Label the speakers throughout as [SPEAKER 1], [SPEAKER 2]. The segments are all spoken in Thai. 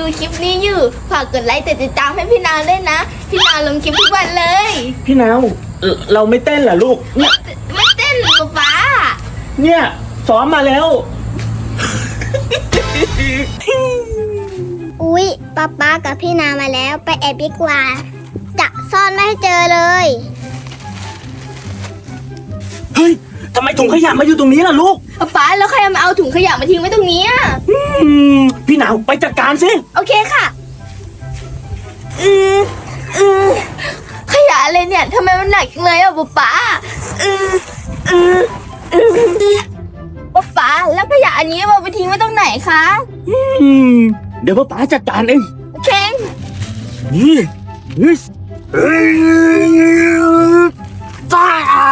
[SPEAKER 1] คลิปนี้อยู่ฝากกดไลค์ติดตามให้พี่นาวด้วยนะพี่นาวลงคลิปทุกวันเลย
[SPEAKER 2] พี่นาวเราไม่เต้นเหรอลูกเนี่ย
[SPEAKER 1] ไม่เต้นป๊า
[SPEAKER 2] เนี่ยซ้อมมาแล้ว
[SPEAKER 3] อุ๊ยป๊ากับพี่นามาแล้วไปแอบดีกว่าจะซ่อนไม่ให้เจอเลย
[SPEAKER 2] เฮ้ยทำไมถุงขยะมาอยู่ตรงนี้ล่ะลูก
[SPEAKER 1] ป๊าแล้วใครมาเอาถุงขยะมาทิ้งไว้ตรงนี้อะ
[SPEAKER 2] พี่นาวไปจัดการสิ
[SPEAKER 1] โอเคค่ะขยะอะไรเนี่ยทำไมมันหนักจังเลยอ่ะป๊าป๊าแล้วขยะอันนี้เอาไปทิ้งไว้ตรงไหนคะ
[SPEAKER 2] เดี๋ยวป้าจัดการเอง
[SPEAKER 1] โอเค
[SPEAKER 2] นี่จ้า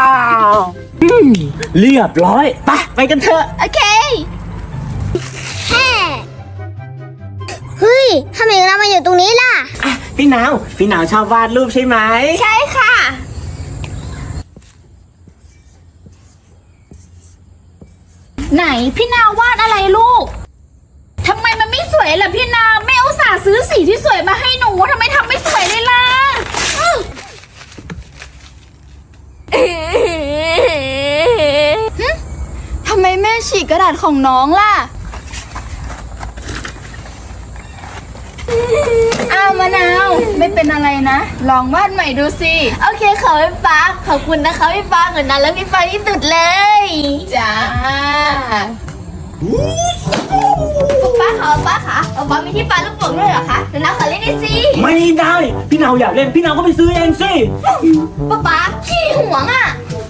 [SPEAKER 2] เรียบร้อยไปกันเถอะ
[SPEAKER 1] โอเค
[SPEAKER 3] แฮ่เฮ้ยทำไมเรามาอยู่ตรงนี้ล่ะ
[SPEAKER 2] พี่นาวชอบวาดรูปใช่ไหม
[SPEAKER 1] ใช่ค่ะไหนพี่นาววาดอะไรลูกทำไมมันไม่สวยล่ะพี่นาวแม่อุตส่าห์ซื้อสีที่สวยมาให้หนูทำไมทำไม่สวยเลยล่ะทำไมแม่ฉีกกระดาษของน้องล่ะอ้าวมะนาวไม่เป็นอะไรนะลองวาดใหม่ดูสิโอเคขอพี่ฟ้าขอบคุณนะคะพี่ฟ้าเหมือนนั้นแล้วพี่ฟ้าที่สุดเลยจ้าป้าค่ะป้ามีที่ปาลูกโป่งด้วยเหรอคะเดี๋ยวน้าขอเล่นหน่อยสิ
[SPEAKER 2] ไม่ได้พี่นาวอยากเล่นพี่นาวก็ไปซื้อเองสิ
[SPEAKER 1] ป้าขี้ห่วงอ่ะ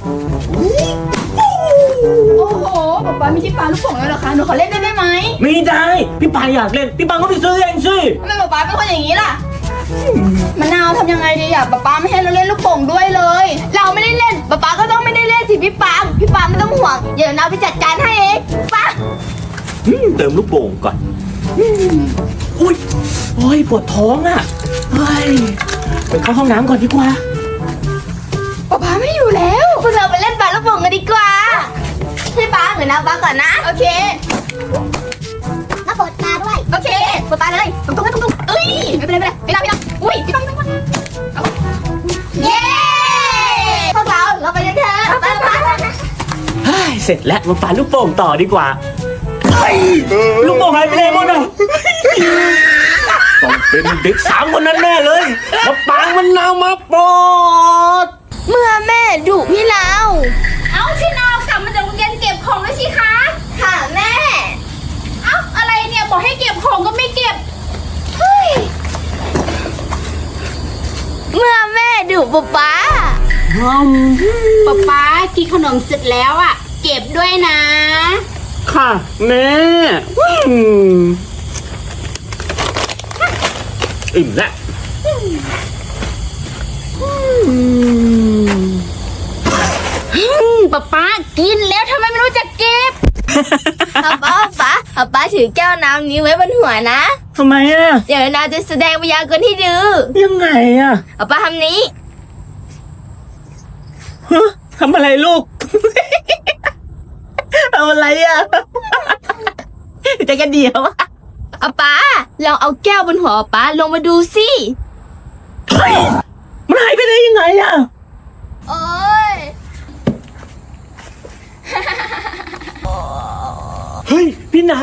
[SPEAKER 1] โอ้โหป้ามีที่ปาลูกโป่งด้วยเหรอคะหนูขอเล่นได้ไหม
[SPEAKER 2] ไม่ได้พี่ปาอยากเล่นพี่ปาก็ไปซื้อเองสิ
[SPEAKER 1] ทำไมป้าเป็นคนอย่างนี้ล่ะมะนาวทำยังไงดีอ่ะป้าไม่ให้เราเล่นลูกโป่งด้วยเลยเราไม่ได้เล่นป้าก็ต้องไม่ได้เล่นสิพี่ปาไม่ต้องห่วงเดี๋ยวน้าไปจัดการให้เองป้า
[SPEAKER 2] เติมลูกโป่งก่อนอุ้ยโอ้ยปวดท้องอ่ะเฮ้ยไปเข้าห้องน้ำก่อนดีกว่า
[SPEAKER 1] ป้าไม่อยู่แล้วพวกเราไปเล่นปาลูกโป่งกันดีกว่าพี่ป้าเหมือนน้าป้าก่อนนะโอเค
[SPEAKER 3] มาปลดตาด้วย
[SPEAKER 1] โอเคปวดตาเลยตรงเอ้ยไม่เป็นไรไม่เป็นไรอุ้ยพี่ป้าเย้พวกเราไปกันเถอะป้า
[SPEAKER 2] เฮ้ยเสร็จแล้วมาปาลูกโป่งต่อดีกว่าลูกโป่งหายไปไหนหมดอ่ะต้องเป็นเด็ก3 คนนั้นแน่เลยมาปางมันนาวมาปลด
[SPEAKER 1] เมื่อแม่ดุพี่นาว
[SPEAKER 4] เอาพี่นาวกลับมาจากโรงเรียนเก็บของด้วยสิคะ
[SPEAKER 1] ค่ะแม่
[SPEAKER 4] เอ้าอะไรเนี่ยบอกให้เก็บของก็ไม่เก็บ
[SPEAKER 1] เมื่อแม่ดุป๊า
[SPEAKER 4] ป๊าป๊ากินขนมเสร็จแล้วอ่ะ เก็บด้วยนะ
[SPEAKER 2] ค่ะแม่อิ่มแล้ว
[SPEAKER 4] ป๊ากินแล้วทำไมไม่รู้จักเก็บ
[SPEAKER 1] ป้าถือแก้วน้ำนี้ไว้บนหัวนะ
[SPEAKER 2] ทำไมอ่ะ
[SPEAKER 1] เดี๋ยวนาจะแสดงพยากรณ์ให้ดู
[SPEAKER 2] ยังไงอ่ะ
[SPEAKER 1] ป้าทำนี้
[SPEAKER 2] ฮะทำอะไรลูก ทำอะไรอ่ะจะกันเดียวอ่ะ
[SPEAKER 1] ป้าลองเอาแก้วบนหัวป้าลงมาดูสิ
[SPEAKER 2] เฮ้ยมันหายไปได้ยังไงอ่ะ
[SPEAKER 1] โอ้ย
[SPEAKER 2] เฮ้ยพี่นาว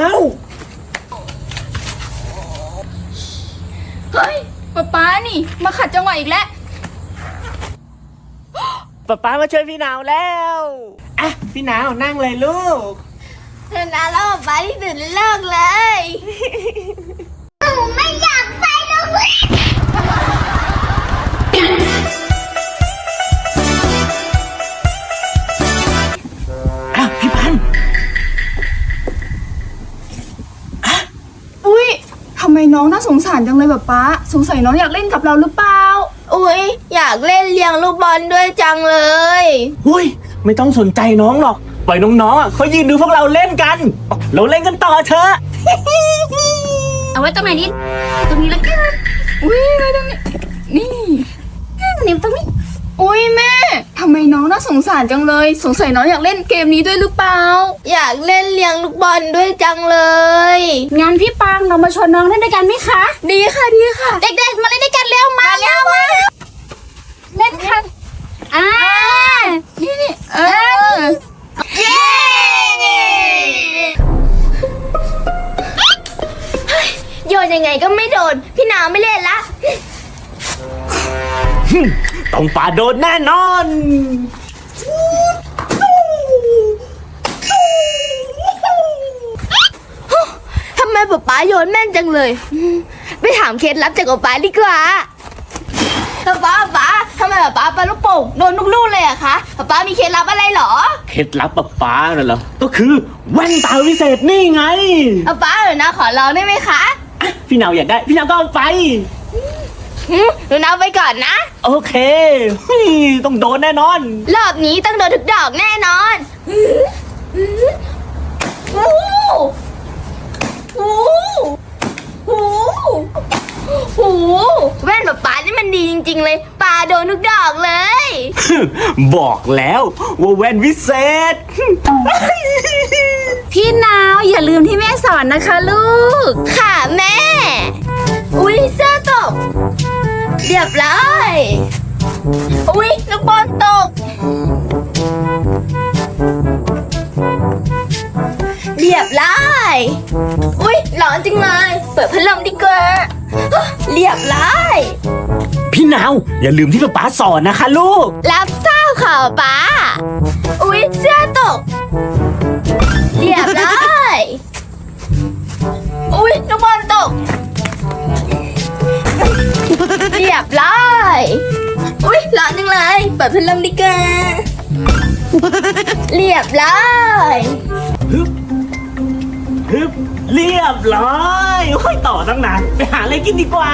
[SPEAKER 1] เฮ้ยป้านี่มาขัดจังหวะอีกแล้ว
[SPEAKER 2] ป๊ามาช่วยพี่นาวแล้วอ่ะพี่นาวนั่งเลยลูก
[SPEAKER 1] นาแล้วป้าที่สุดในโลกเลย
[SPEAKER 3] ไม่อยากไปโรงเรียน
[SPEAKER 2] อ้าวพี่พันธุ์
[SPEAKER 5] อุ้ยทำไมน้องน่าสงสารจังเลยแบบป้าสงสัยน้องอยากเล่นกับเราหรือเปล่า
[SPEAKER 1] อุ๊ยอยากเล่นเลี้ยงลูกบอลด้วยจังเลย
[SPEAKER 2] อุ้ยไม่ต้องสนใจน้องหรอกปล่อยน้องๆอ่ะเขายืนดูพวกเราเล่นกันเราเล่นกันต่อเถอะ
[SPEAKER 4] เอาไว้ตรงไหนดิตรงนี้แล้วกัน
[SPEAKER 5] อุ้ยไว้ตรงนี้นี่
[SPEAKER 4] นิ้วตรงนี้
[SPEAKER 5] อุ้ยแม่ทำไมน้องน่าสงสารจังเลย สงสัยน้องอยากเล่นเกมนี้ด้วยหรือเปล่า
[SPEAKER 1] อยากเล่นเลี้ยงลูกบอลด้วยจังเลย
[SPEAKER 4] งั้นพี่ปางเรามาชวนน้องเล่นด้วยกันไหมคะ
[SPEAKER 1] ดีค่ะดีค่ะ
[SPEAKER 4] เด็กๆมาเล่นด้วยกันเร็วมาเร็วมาเล่นค่ะนี่
[SPEAKER 5] เออ
[SPEAKER 1] เย้โยนยังไงก็ไม่โดน พี่นาวไม่เล่นละ
[SPEAKER 2] ต้องป่าโดนแน่นอน
[SPEAKER 1] ทำไมป๊าโยนแม่นจังเลย ไปถามเคล็ดลับจากป๊าดีกว่าป๊าทำไมป๊าปาลูกโป่งโดนทุกลูกเลยอะคะป๊ามีเคล็ดลับอะไรเหรอ
[SPEAKER 2] เคล็ดลับป๊าน่ะเหรอ ก็คือแว่นตาวิเศษนี่ไง
[SPEAKER 1] ป๊าเดี๋ยวนะขอลองได้ไหมคะ
[SPEAKER 2] พี่นาวอยากได้ พี่นาวก็เอาไป
[SPEAKER 1] หนูนับไปก่อนนะ
[SPEAKER 2] โอเคเฮ้ยต้องโดนแน่นอน
[SPEAKER 1] รอบนี้ต้องโดนทุกดอกแน่นอนโอ้โหโอ้โหแว่นป๊านี่มันดีจริงๆเลยปาโดนทุกดอกเลย
[SPEAKER 2] บอกแล้วว่าแว่นวิเศษ
[SPEAKER 4] พี่นาวอย่าลืมที่แม่สอนนะคะลูก
[SPEAKER 1] ค่ะแม่ อุ๊ยเสื้อตกเรียบร้อยอุ๊ยลูกบอลตกเรียบร้อยอุ๊ยร้อนจังเลยเปิดพัดลมดีกว่าเรียบร้อย
[SPEAKER 2] พี่นาวอย่าลืมที่ป๊าสอนนะคะลูก
[SPEAKER 1] รับทราบข่าวป้าอุ๊ยเสื้อตกเรียบร้อยอุ๊ยลูกบอลตกเรียบร้อยอุ๊ยร้อนจังเลยเปิดพัดลมดีกว่าเรียบร้อย
[SPEAKER 2] ฮึบเรียบร้อยค่อยต่อตั้งนานไปหาอะไรกินดีกว่า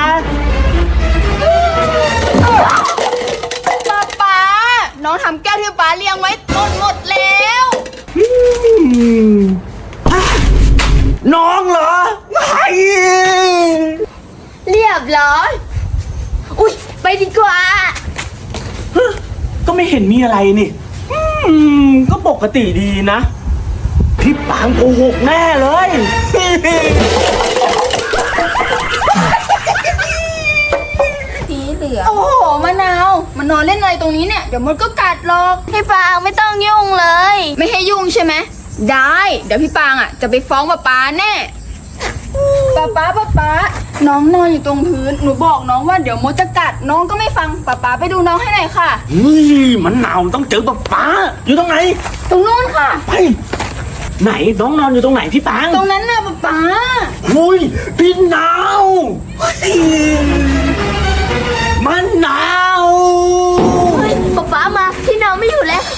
[SPEAKER 5] ป๊าน้องทำแก้วที่ป๊าเลี้ยงไว้หมดแล้ว
[SPEAKER 2] น้องเหรอไอ้
[SPEAKER 1] เรียบร้อยอุ๊ยไปดีกว่า
[SPEAKER 2] ก็ไม่เห็นมีอะไรนี่ก็ปกติดีนะ พี่ปางโกหกแน่เลย
[SPEAKER 5] สีเหลืองโอ้โหมะนาวมันนอนเล่นอะไรตรงนี้เนี่ยเดี๋ยวมดก็กัดหรอก
[SPEAKER 1] พี่ปางไม่ต้องยุ่งเลย
[SPEAKER 5] ไม่ให้ยุ่งใช่ไหมได้เดี๋ยวพี่ปางจะไปฟ้องป๊าแน่ป๊าน้องนอนอยู่ตรงพื้นหนูบอกน้องว่าเดี๋ยวมดจะกัดน้องก็ไม่ฟังป๊าไปดูน้องให้หน่อยค่ะ
[SPEAKER 2] เฮ้ยมันหนาวต้องเจอป๊าอยู่ตรงไหน
[SPEAKER 5] ตรงนู้นค่ะ
[SPEAKER 2] ไปไหนน้องนอนอยู่ตรงไหนพี่ปาง
[SPEAKER 5] ตรงนั้นน่ะป๊า
[SPEAKER 2] หุ้ยพี่หนาวเฮ้ยมันหนาว
[SPEAKER 1] เฮ้ยป๊ามาพี่น้องไม่อยู่แล้ว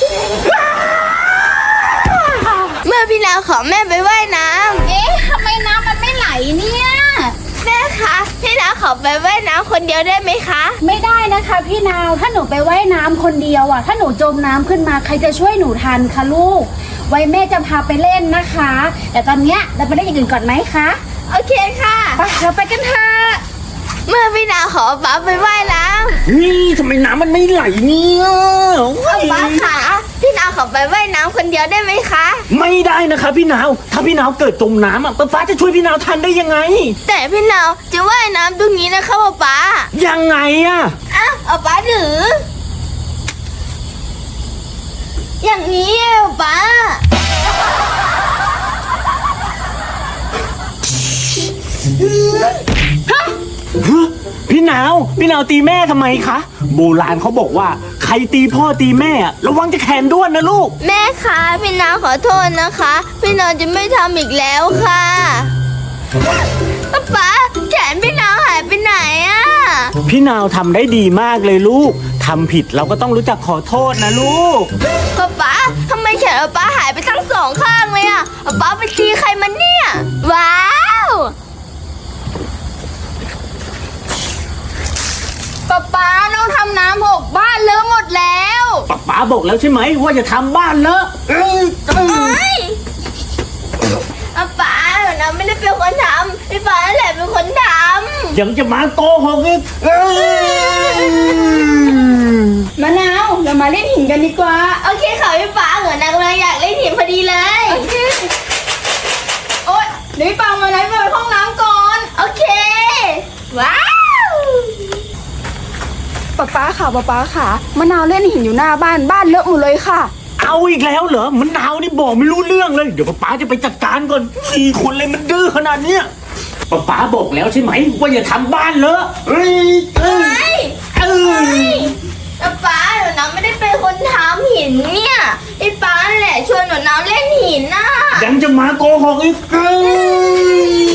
[SPEAKER 1] เมื่อพี่นาวขอแม่ไปว่ายน้ำ
[SPEAKER 4] เอ๊ะทำไมน้ำมันไม่ไหลเนี่ย
[SPEAKER 1] แม่คะพี่นาวขอไปว่ายน้ำคนเดียวได้ไหมคะ
[SPEAKER 4] ไม่ได้นะคะพี่นาวถ้าหนูไปว่ายน้ำคนเดียวอ่ะถ้าหนูจมน้ำขึ้นมาใครจะช่วยหนูทันคะลูก ไว้แม่จะพาไปเล่นนะคะ แต่ตอนเนี้ยเราไปเล่นอย่างอื่นก่อนไหมคะ
[SPEAKER 1] โอเคค่ะ
[SPEAKER 4] ไปเราไปกันเถอะ
[SPEAKER 1] เมื่อพี่นาวขอป๊าไปว่ายน้
[SPEAKER 2] นี่ทำไมน้ำมันไม่ไหลเนี่ย
[SPEAKER 1] ำป๊าขาพี่นาวขอไปว่ายน้ำคนเดียวได้ไหมคะ
[SPEAKER 2] ไม่ได้นะคะพี่หนาวถ้าพี่หนาวเกิดจมน้ำป๊าจะช่วยพี่หนาวทันได้ยังไง
[SPEAKER 1] แต่พี่นาวจะว่ายน้ำตรงนี้นะคะป๊า
[SPEAKER 2] ยังไงอะ
[SPEAKER 1] อ้าวเอาป๊าถือ อย่างนี้ป๊า
[SPEAKER 2] พี่หนาวตีแม่ทำไมคะโบราณเขาบอกว่าใครตีพ่อตีแม่อะระวังจะแขนด้วนนะลูก
[SPEAKER 1] แม่คะพี่นาวขอโทษนะคะ พี่นาวจะไม่ทำอีกแล้วค่ะป๊าแขนพี่นาวหายไปไหนอะ
[SPEAKER 2] พี่นาวทำได้ดีมากเลยลูกทำผิดเราก็ต้องรู้จักขอโทษนะลูก
[SPEAKER 1] ป๊าทำไมแขนป๊าหายไปทั้งสองข้างเลยอะป๊าไปตีใครมันเนี่ย ว้าว
[SPEAKER 5] ป๊าน้องทำน้ำหกบ้านเลอะหมดแล้ว
[SPEAKER 2] ป๊าบอกแล้วใช่ไหมว่าจะทำบ้านเลอะ
[SPEAKER 1] เอ้ยป๊าเราไม่ได้เป็นคนทำพี่ป๊าแหละเป็นคนทำ
[SPEAKER 2] ยังจะมาโกหกอีก
[SPEAKER 5] มะนาวเรามาเล่นหินกันดีกว่า
[SPEAKER 1] โอเคค่ะพี่ป๋าเหมือนนางกำลังอยากเล่นหินพอดีเลย
[SPEAKER 5] โอเคโอ๊ยเดี๋ยวพี่ปังมาไหนไปห้องน้ำก่อน
[SPEAKER 1] โอเค ว้าว
[SPEAKER 5] ป๊าป๊าค่ะมะนาวเล่นหินอยู่หน้าบ้านเลอะหมดเลยค่ะ
[SPEAKER 2] เอาอีกแล้วเหรอมันหนาวนี่บอกไม่รู้เรื่องเลยเดี๋ยวป๊าจะไปจัดการก่อนขี่คนเลยมันดื้อขนาดเนี้ยป๊าบอกแล้วใช่ไหมว่าอย่าทำบ้านเลอะเฮ้ย
[SPEAKER 1] เฮ้ยป๊าหนูน้ำไม่ได้เป็นคนทำหินเนี่ยพี่ป๋าแหละชวนหนูน้ำเล่นหินน่ะ
[SPEAKER 2] ยังจะมาโกหกอีก